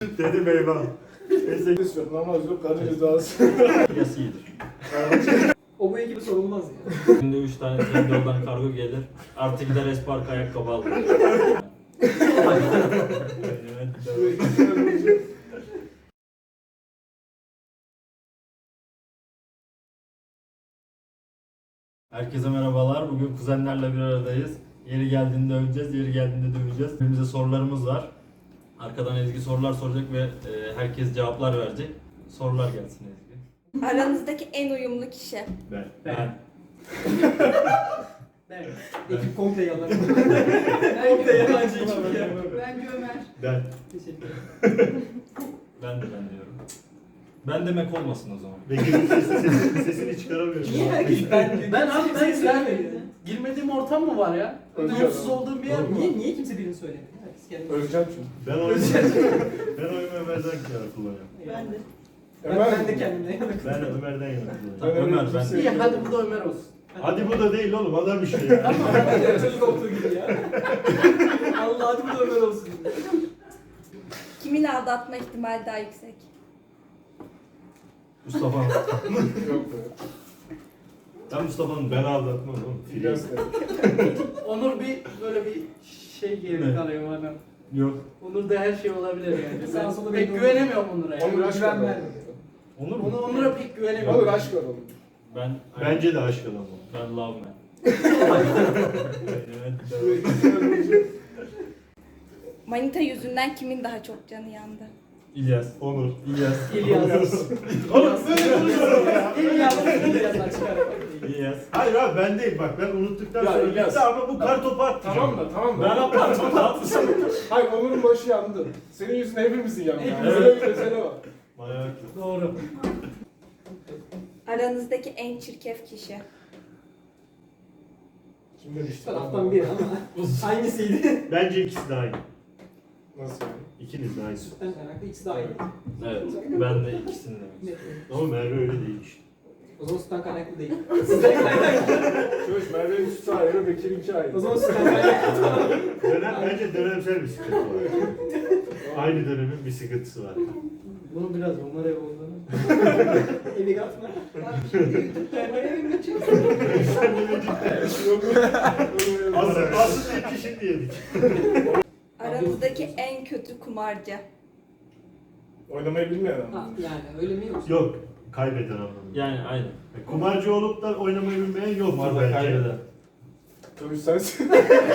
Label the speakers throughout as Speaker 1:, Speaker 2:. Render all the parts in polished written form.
Speaker 1: Dedim eyvah. Neyse.
Speaker 2: Namaz yok, kadın cezası.
Speaker 3: Yası iyidir.
Speaker 4: O bu ekibi sorulmaz ya.
Speaker 3: Günde 3 tane Trendyol'dan kargo gelir. Artı gider Espark ayakkabı alır. Herkese merhabalar. Bugün kuzenlerle bir aradayız. Yeri geldiğinde öveceğiz, yeri geldiğinde döveceğiz. Birbirimize sorularımız var. Arkadan Ezgi sorular soracak ve herkes cevaplar verecek. Sorular gelsin Ezgi.
Speaker 5: Aranızdaki en uyumlu kişi.
Speaker 1: Ben.
Speaker 3: Ben.
Speaker 4: Ben. Ekip komple yalan. Komple yalancı ekip ya.
Speaker 5: Bence Ömer.
Speaker 1: Ben.
Speaker 4: Teşekkür ederim.
Speaker 3: Ben diyorum. Ben demek olmasın o zaman.
Speaker 1: Bekir'in sesini çıkaramıyorum.
Speaker 4: Niye herkes ben abi ben gelmedim. Girmediğim ortam mı var ya? Umutsuz olduğum bir yer mi? Niye kimse birini söylemiyor? Herkes kendi.
Speaker 2: Öleceğim çünkü.
Speaker 1: Ben oyumu Ömer'den yana kullanıyorum.
Speaker 5: Ben de.
Speaker 4: Ben de kendimden yana.
Speaker 1: Ben Ömer'den yana kullanıyorum.
Speaker 3: Tamam, Ömer ben.
Speaker 4: İyi hadi bu da Ömer olsun.
Speaker 1: Hadi bu da değil oğlum, adam bir şey ya.
Speaker 4: Tamam hadi çocuk olduğu gibi ya. Allah hadi bu da Ömer olsun.
Speaker 5: Kimin aldatma ihtimali daha yüksek?
Speaker 3: Mustafa.
Speaker 2: Yok be.
Speaker 3: Ben Mustafa'nın
Speaker 1: Ben aldatmam oğlum.
Speaker 2: İlyas de.
Speaker 4: Onur bir böyle bir şey geri kalıyor bana.
Speaker 3: Yok.
Speaker 4: Onur'da her şey olabilir yani.
Speaker 6: Sağ
Speaker 4: Ben
Speaker 6: sola
Speaker 4: pek
Speaker 6: belli
Speaker 4: güvenemiyorum Onur'a yani.
Speaker 2: Onur aşk
Speaker 4: Güven
Speaker 2: var.
Speaker 4: vermiyor.
Speaker 3: Onur mu?
Speaker 4: Onur'a pek güvenemiyorum.
Speaker 2: Olur aşk var oğlum.
Speaker 3: Ben.
Speaker 1: Bence de aşk adamı.
Speaker 3: Ben love man.
Speaker 5: Manita yüzünden kimin daha çok canı yandı?
Speaker 3: İlyas.
Speaker 1: Onur.
Speaker 3: İlyas.
Speaker 4: İlyas.
Speaker 1: Oğlum böyle konuşuyorum ya.
Speaker 4: İlyas'tan çıkarım.
Speaker 3: İlyas.
Speaker 1: Hayır abi ben değil, bak ben unuttuktan
Speaker 2: Ya
Speaker 1: sonra
Speaker 2: İlyas.
Speaker 1: bitti ama bu kar topu attı.
Speaker 2: Tamam da tamam da.
Speaker 3: Ben yaparım.
Speaker 2: Hayır Onur'un başı yandı. Senin yüzünden hepimizin yandı. Yani.
Speaker 3: Evet.
Speaker 2: Böyle bir mesele var.
Speaker 1: Manyak.
Speaker 4: Doğru.
Speaker 5: Aranızdaki en çirkef kişi.
Speaker 2: Kim demişti?
Speaker 4: Şu taraftan biri ama hangisiydi?
Speaker 1: Bence ikisi de aynı.
Speaker 2: Nasıl yani?
Speaker 1: İkiniz de aynı.
Speaker 4: Sütten kaynaklı ikisi de aynı.
Speaker 3: Evet. Ben de ikisini demek
Speaker 1: Ama Merve öyle değil işte.
Speaker 4: O zaman sütten kaynaklı değil. Sütten kaynaklı.
Speaker 2: Çöş Merve'nin üstü ayrı, Bekir'inki ayrı.
Speaker 4: O zaman sütten kaynaklı.
Speaker 1: Bence dönemsel bir sıkıntı var. Aynı dönemin bir sıkıntısı var.
Speaker 4: Bunu biraz onlar ev olduğunu. Evi katma.
Speaker 1: Aslında iki şimdi yedik.
Speaker 5: Aranızdaki en kötü kumarcı.
Speaker 2: Oynamayı bilmeyen
Speaker 4: Ha,
Speaker 2: adam.
Speaker 4: yani öyle mi yoksa?
Speaker 1: Yok, kaybeden anlamında.
Speaker 3: Yani aynen.
Speaker 1: Kumarcı olup da oynamayı bilmeyen yok
Speaker 3: Kumarda kaybeder.
Speaker 2: Çöş sensin.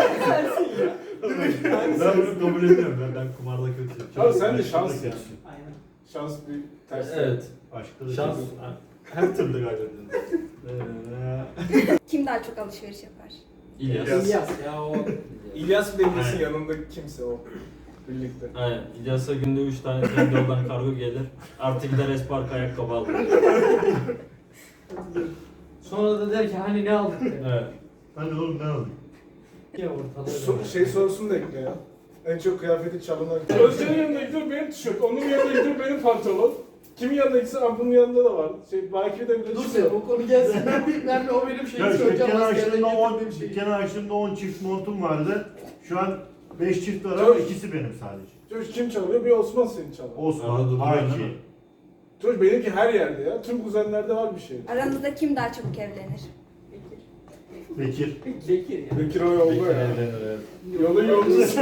Speaker 1: Ben bunu kabul ediyorum. Ben kumarda kötüyüm.
Speaker 2: Abi sen de
Speaker 1: Aşkta
Speaker 2: şans
Speaker 1: da
Speaker 2: ya.
Speaker 1: kötüsün.
Speaker 4: Aynen.
Speaker 2: Şans bir ters.
Speaker 3: Evet.
Speaker 1: Aşkta da
Speaker 3: Şans.
Speaker 1: kötüsün. Her türlü kaybediyorsun.
Speaker 5: Kim daha çok alışveriş yapar?
Speaker 3: İlyas.
Speaker 4: İlyas ya o.
Speaker 2: İlyas bile bilsin
Speaker 1: Aynen.
Speaker 2: yanındaki kimse o. Birlikte.
Speaker 3: Aynen. İlyas'a günde 3 tane Trendyol'dan kargo gelir. Artı gider Espark ayakkabı alır.
Speaker 4: Sonra da der ki hani ne aldık der.
Speaker 3: Evet.
Speaker 1: Hani oğlum ne aldın?
Speaker 4: Ya ortalığı.
Speaker 2: Şey sorusunu da ekle ya. En çok kıyafeti çalınan. Özcan'ın yanında gidiyor benim tişört, onun yanında gidiyor benim pantolon. Kimin yanında gitse bunun yanında da var. Belki de bile
Speaker 4: Dur
Speaker 2: çıkıyor.
Speaker 4: sen o konu gelsin. Ben o benim şeyim
Speaker 1: Ya işte
Speaker 4: söyleyeceğim.
Speaker 1: dükkanı
Speaker 4: Askerden
Speaker 1: açtığımda 10,
Speaker 4: getirdiğim şey.
Speaker 1: dükkanı açtığımda 10 çift montum vardı. Şu an 5 çift var ama
Speaker 2: Çöş.
Speaker 1: ikisi benim sadece.
Speaker 2: Çocuk kim çalıyor? Bir Osman seni çalıyor.
Speaker 3: Arada
Speaker 1: Osman,
Speaker 3: duruyor
Speaker 1: Haki.
Speaker 3: değil mi?
Speaker 2: Çocuk benimki her yerde ya. Tüm kuzenlerde var bir şey.
Speaker 5: Aranızda kim daha çabuk evlenir?
Speaker 1: Bekir.
Speaker 4: Bekir ya.
Speaker 2: Bekir o yolda ya.
Speaker 3: Evlenir, evet.
Speaker 2: Yolun yolcusu.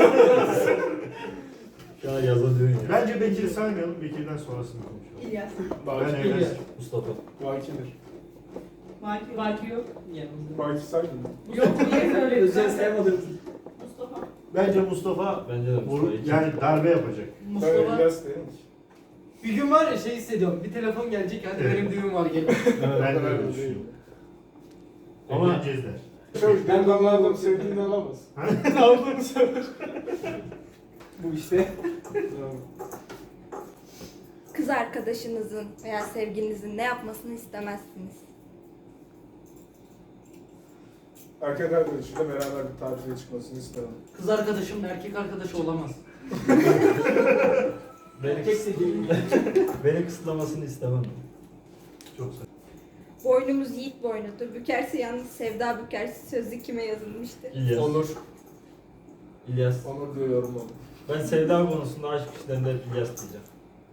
Speaker 3: Ya yaza diyorsun ya.
Speaker 1: Bence Bekir'i saymayalım, Bekir'den sonrasını konuşalım.
Speaker 5: İlyas.
Speaker 1: Ben
Speaker 2: Baki.
Speaker 1: evlensin.
Speaker 3: Mustafa.
Speaker 2: Baki'dir.
Speaker 6: Baki yok.
Speaker 4: Yanımızda.
Speaker 2: Baki saydın mı?
Speaker 6: Yok niye öyle?
Speaker 4: Özel saymadığımız.
Speaker 6: Mustafa.
Speaker 1: Bence Mustafa
Speaker 3: Bence de Mustafa.
Speaker 1: yani darbe yapacak.
Speaker 2: Ben
Speaker 6: Mustafa.
Speaker 2: İlyas değilim ki.
Speaker 4: Bir gün var ya şey hissediyorum. Bir telefon gelecek hadi
Speaker 1: Evet.
Speaker 4: benim düğün var gelin.
Speaker 1: Ben de
Speaker 2: Ben
Speaker 1: öyle
Speaker 2: de
Speaker 1: düşünüyorum.
Speaker 3: Ama-
Speaker 1: Evleneceğiz der.
Speaker 2: Çocuk
Speaker 4: Ben
Speaker 2: delikanlılardan sevdiğini alamaz. Aldığını sever.
Speaker 4: Bu işte.
Speaker 5: Kız arkadaşınızın veya sevgilinizin ne yapmasını istemezsiniz?
Speaker 2: Erkek arkadaşıyla beraber bir tatile çıkmasını istemem.
Speaker 4: Kız arkadaşımla erkek arkadaşı olamaz. Erkek de değil.
Speaker 3: Beni kısıtlamasını istemem.
Speaker 1: Çok güzel.
Speaker 5: Boynumuz yiğit boynudur. Bükerse yalnız sevda bükerse sözü kime yazılmıştır?
Speaker 3: İlyas.
Speaker 2: Onur.
Speaker 3: İlyas.
Speaker 2: Onur diyor yorum oldu.
Speaker 3: Ben sevda konusunda aşk işlerinde hep İlyas diyeceğim.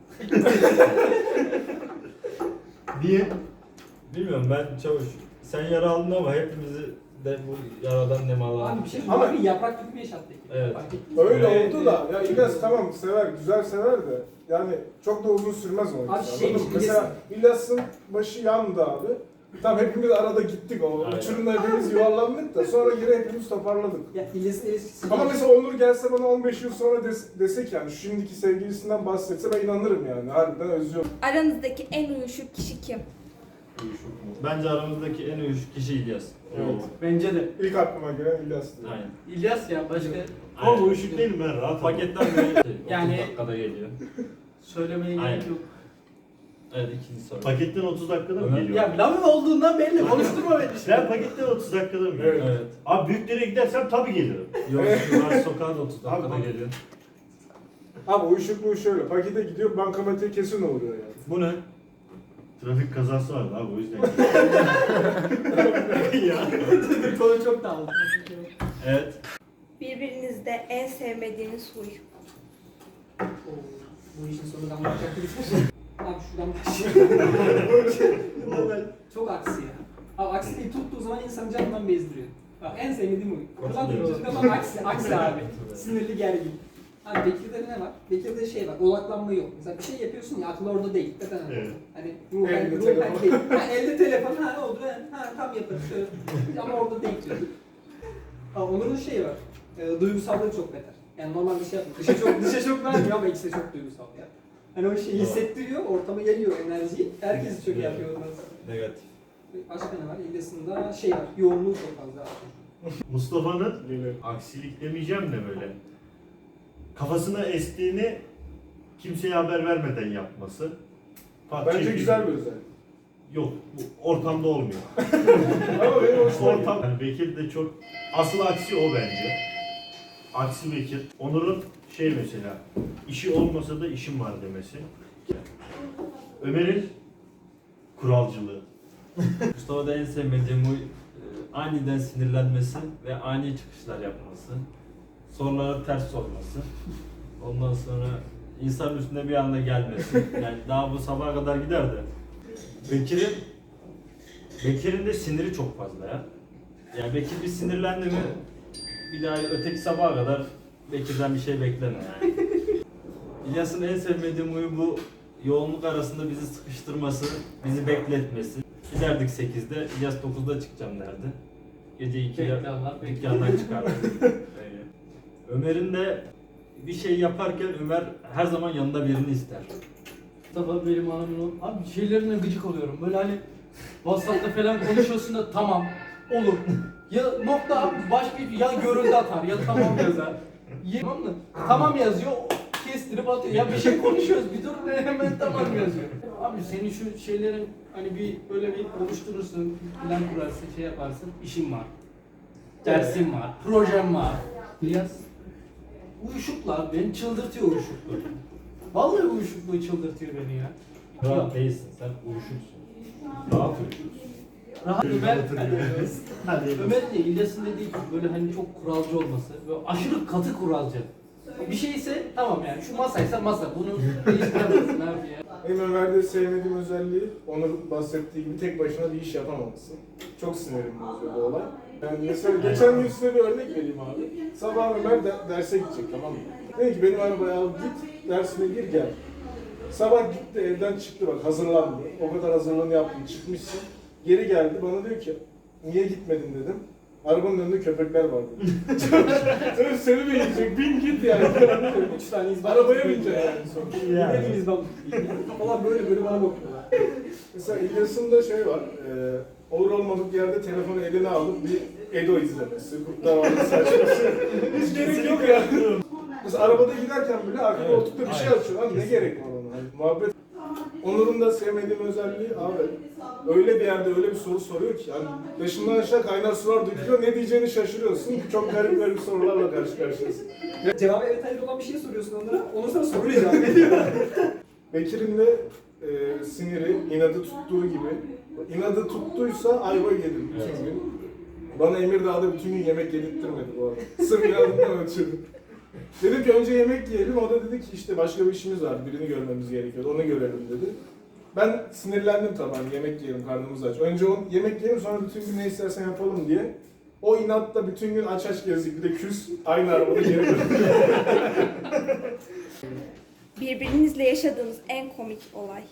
Speaker 1: Niye?
Speaker 3: Bilmiyorum ben Çavuş. Sen yara aldın ama hepimizi de bu yaradan nemalandın.
Speaker 4: Abi bir şey
Speaker 2: Ama-
Speaker 4: ama bir yaprak gibi bir yaşattı.
Speaker 3: Evet.
Speaker 4: Fark ettin mi?
Speaker 2: Öyle
Speaker 4: Evet,
Speaker 2: oldu da ya İlyas tamam sever, güzel sever de yani çok da uzun sürmez o
Speaker 4: Abi
Speaker 2: insan.
Speaker 4: şey,
Speaker 2: anladın mı? Mesela İlyas'ın başı yandı abi. Tamam hepimiz arada gittik o
Speaker 3: Aynen.
Speaker 2: uçurumda hepimiz yuvarlandık da sonra geri hepimiz toparladık.
Speaker 4: Ya İlyas'ın ilişkisi...
Speaker 2: Ama mesela Onur gelse bana 15 yıl sonra desek yani şu şimdiki sevgilisinden bahsetse ben inanırım yani harbiden özlüyorum.
Speaker 5: Aranızdaki en uyuşuk kişi kim?
Speaker 3: Bence aramızdaki en uyuşuk kişi İlyas.
Speaker 2: Evet.
Speaker 4: Bence de.
Speaker 2: İlk aklıma gelen İlyas'tı.
Speaker 3: Aynen.
Speaker 4: İlyas ya başka
Speaker 1: Ama uyuşuk değilim ben rahat.
Speaker 3: Paketten böyle
Speaker 4: Yani-
Speaker 3: 30 dakikada geliyor.
Speaker 4: söylemeye
Speaker 3: Aynen.
Speaker 4: gerek yok.
Speaker 3: Evet ikinci soru.
Speaker 1: Paketten 30 dakikada mı
Speaker 3: Ömer-
Speaker 1: geliyor?
Speaker 4: Ya lavın olduğundan belli. Konuşturma beni şimdi.
Speaker 1: Ben paketten 30 dakikada mı geliyor?
Speaker 2: Evet.
Speaker 3: Evet.
Speaker 1: Abi büyüklere gidersem tabii gelirim.
Speaker 3: Yok Üniversite Sokağı'na da 30 dakikada
Speaker 1: Abi-
Speaker 3: geliyor.
Speaker 2: Abi uyuşukluğu şöyle pakete gidiyor bankamatiğe kesin uğruyor yani.
Speaker 3: Bu ne?
Speaker 1: Trafik kazası vardı abi o yüzden. ya.
Speaker 4: Konu çok dağıldı.
Speaker 3: Evet.
Speaker 5: Birbirinizde en sevmediğiniz huy.
Speaker 4: Bu işin sonunda anlatacak bir şey. Abi şuradan başlayalım. Çok aksi ya. Abi aksi değil, tuttuğu zaman insanı canından bezdiriyor. Bak en sevmediğim bu. Buradan tuttuğunda bak aksi abi. Sinirli gergin. Abi Bekir'de ne var? Bekir'de şey var, odaklanma yok. Mesela bir şey yapıyorsun ya aklı orada değil. Neden?
Speaker 1: Evet.
Speaker 4: Hani
Speaker 2: Elde
Speaker 4: ruhen
Speaker 2: telefon.
Speaker 4: değil. Ha, elde telefon, ha ne oldu? Ha tam yaparız şöyle. Ama orada değil diyor. Ha, Onur'un şeyi var. Duygusallığı çok beter. Yani normal bir şey yapmıyor. Dışa çok vermiyor ama ikisi de çok duygusal ya. Hani o şeyi hissettiriyor, ortama geliyor enerjiyi. Herkes çok yapıyor ondan sonra.
Speaker 3: Negatif.
Speaker 4: Başka ne var? İlyas'ında şey var, yoğunluğu çok fazla.
Speaker 1: Mustafa'nın
Speaker 2: Geliyor.
Speaker 1: aksilik demeyeceğim de böyle kafasına estiğini kimseye haber vermeden yapması.
Speaker 2: Bence
Speaker 1: Çekici.
Speaker 2: güzel bir özellik.
Speaker 1: Yok, bu ortamda olmuyor.
Speaker 2: Ama benim hoşuma gidiyor.
Speaker 1: Ortam, yani Bekir de çok, asıl aksi o bence. Aksi Bekir. Onur'un şey mesela, işi olmasa da işim var demesi. Ömer'in kuralcılığı.
Speaker 3: Mustafa'da en sevmediğim bu aniden sinirlenmesi ve ani çıkışlar yapması. Sorulara ters sorması. Ondan sonra insanın üstüne bir anda gelmesi. Yani daha bu sabaha kadar gider de. Bekir'in de siniri çok fazla ya. Yani Bekir bir sinirlendi mi bir daha öteki sabaha kadar Bekir'den bir şey bekleme yani. İlyas'ın en sevmediğim huyu bu yoğunluk arasında bizi sıkıştırması, bizi bekletmesi. Giderdik 8'de, İlyas 9'da çıkacağım derdi. Gece 2'de
Speaker 4: Bekle Allah, bekle.
Speaker 3: dükkandan çıkardı. Öyle. Ömer'in de bir şey yaparken Ömer her zaman yanında birini ister.
Speaker 4: Mustafa benim hanımın abi şeylerine gıcık oluyorum. Böyle hani WhatsApp'ta falan konuşuyorsun da tamam olur. Ya nokta abi başka ya görüldü atar ya tamam yazar. Tamam mı? Tamam yazıyor kestirip atıyor. Ya bir şey konuşuyoruz bir dur hemen tamam yazıyor. Abi senin şu şeylerin hani bir böyle bir oluşturursun, plan kurarsın, şey yaparsın, işin var. Dersim var, projem var. İlyas uyuşuklar beni çıldırtıyor uyuşukluğu. Vallahi uyuşukluğu çıldırtıyor beni ya.
Speaker 3: Rahat değilsin, sen uyuşuksun.
Speaker 1: Rahat uyuşuruz.
Speaker 4: Rahat Ömer,
Speaker 1: Hadi.
Speaker 4: Ömer'in de İlyas'ın dediği gibi böyle hani çok kuralcı olması ve aşırı katı kuralcı. Bir şeyse tamam yani şu masaysa masa bunu değiştiremezsin abi ya.
Speaker 2: Benim Ömer'de sevmediğim özelliği Onur bahsettiği gibi tek başına bir iş yapamaması. Çok sinirim bozuyor bu olay. Yani mesela geçen gün size bir örnek vereyim abi. Sabah Ömer derse gidecek tamam mı? Dedi ki benim arabaya al git dersine gir gel. Sabah gitti evden çıktı bak hazırlandı. O kadar hazırlığını yaptın çıkmışsın. Geri geldi bana diyor ki niye gitmedin dedim. Arabanın önünde köpekler vardı. Tabii seni mi yiyecek? Bin git yani.
Speaker 4: 3 tane izban.
Speaker 2: Arabaya binecek yani sonuçta.
Speaker 1: Yani.
Speaker 4: Dediğim izban. Kafalar böyle böyle bana bakıyorlar.
Speaker 2: Mesela İlyas'ın da şey var, olur olmadık yerde telefonu eline alıp bir Edo izlemesi, Kurtlar Vadisi saçması. Hiç gerek yok ya. Mesela arabada giderken bile arka koltukta bir şey açıyor. Abi ne gerek var ona? Hani muhabbet. Onur'un da sevmediğim özelliği abi öyle bir yerde öyle bir soru soruyor ki yani başından aşağı kaynar sular dökülüyor ne diyeceğini şaşırıyorsun. Çok garip sorularla karşı karşıyasın.
Speaker 4: Cevabı evet hayır olan bir şey soruyorsun onlara. Ondan sonra soruyla cevap veriyor.
Speaker 2: Bekir'in de siniri, inadı tuttuğu gibi. İnadı tuttuysa ayva yedim bütün gün. Bana Emirdağ'da bütün gün yemek yedirttirmedi bu arada. Sırf inadından ötürü. Dedim ki önce yemek yiyelim. O da dedi ki işte başka bir işimiz var. Birini görmemiz gerekiyor. Onu görelim dedi. Ben sinirlendim tabii hani yemek yiyelim, karnımız aç. Önce yemek yiyelim sonra bütün gün ne istersen yapalım diye. O inatla bütün gün aç aç gezdik. Bir de küs aynı arabada geri döndük.
Speaker 5: Birbirinizle yaşadığınız en komik olay.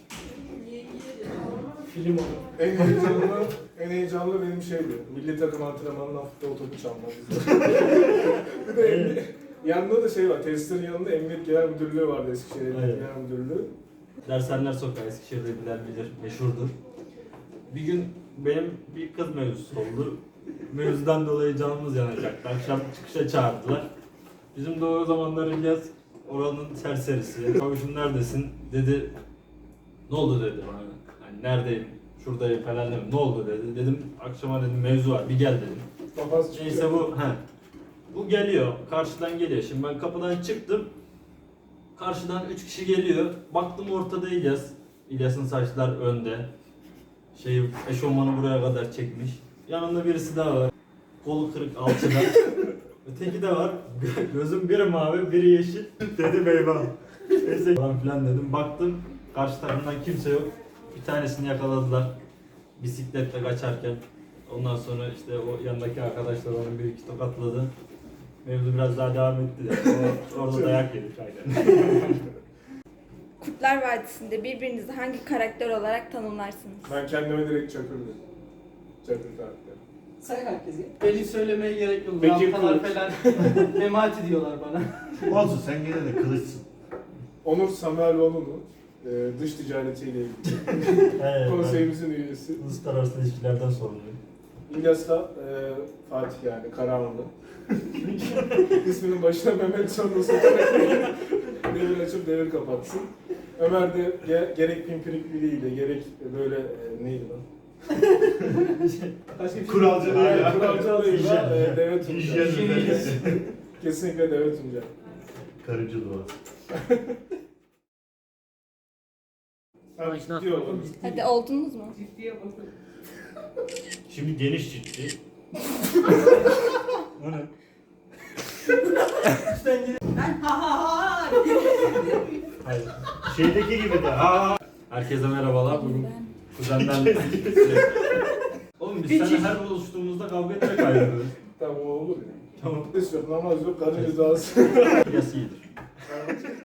Speaker 4: Film olur.
Speaker 2: En heyecanlı benim şeydi. Milli takım antrenmanından futbol topu çalmak. Bir de yanında da şey var. Tesisin yanında Emniyet Genel Müdürlüğü vardı, Eskişehir Emniyet
Speaker 3: Evet.
Speaker 2: Genel Müdürlüğü.
Speaker 3: Dershaneler Sokağı Eskişehir'de bilir, meşhurdur. Bir gün benim bir kız mevzusu oldu. Mevzudan dolayı canımız yanacaktı. Akşam çıkışa çağırdılar. Bizim de o zamanlar İlyas oranın serserisi. Kavuşum neredesin? Dedi. Ne oldu dedi bana. Hani neredeyim? Şuradayım falan dedim. Ne oldu dedi. Dedim akşama dedim mevzu var. Bir gel dedim.
Speaker 2: Kafası çıkıyor.
Speaker 3: Neyse bu geliyor. Karşıdan geliyor. Şimdi ben kapıdan çıktım. Karşıdan 3 kişi geliyor. Baktım ortada İlyas. İlyas'ın saçlar önde. Eşofmanı buraya kadar çekmiş. Yanında birisi daha var. Kolu kırık alçıda. Öteki de var. Gözüm biri mavi, biri yeşil. Dedim eyvah. Neyse falan filan dedim. Baktım karşı tarafından kimse yok. Bir tanesini yakaladılar. Bisikletle kaçarken. Ondan sonra işte o yanındaki arkadaşlar onu bir iki tokatladı. Mevzu biraz daha devam etti de. Orada dayak yedik aynen.
Speaker 5: Kurtlar Vadisi'nde birbirinizi hangi karakter olarak tanımlarsınız?
Speaker 2: Ben kendime direkt Çakır dedim. Çakır karakteri.
Speaker 6: Say herkese.
Speaker 4: Beni söylemeye gerek yok.
Speaker 2: Bekir
Speaker 4: Rampalar
Speaker 2: Kılıç.
Speaker 4: falan memati diyorlar bana.
Speaker 1: Olsun sen gene de kılıçsın.
Speaker 2: Onur Samueloğlu'nun dış ticaretiyle ilgili
Speaker 3: Evet,
Speaker 2: konseyimizin üyesi.
Speaker 3: uluslararası ilişkilerden sorumluyum.
Speaker 2: İlyas da Fatih yani Karahanlı. İsminin başına Mehmet sonunda sokarak devir açıp devir kapatsın. Ömer de gerek pimpirik biriyle gerek böyle neydi lan?
Speaker 1: Kuralcılığıyla.
Speaker 2: Kuralcılığıyla Deve Tunca.
Speaker 1: Hijyen.
Speaker 2: Kesinlikle Deve Tunca.
Speaker 1: Karıcı dua.
Speaker 2: Abi ciddi olalım.
Speaker 5: Hadi oldunuz mu?
Speaker 6: Ciddiye bakın.
Speaker 1: Şimdi geniş ciddi. O ne?
Speaker 6: Ben ha ha ha.
Speaker 1: Hayır. Şeydeki gibi de. Ha.
Speaker 3: Herkese merhabalar. Bugün kuzenlerle... Oğlum biz seninle her buluştuğumuzda kavga etmek ayrılıyoruz.
Speaker 2: Tamam o olur ya.
Speaker 3: Tamam.
Speaker 2: Namaz yok, kadın rızası.
Speaker 3: İlyas iyidir.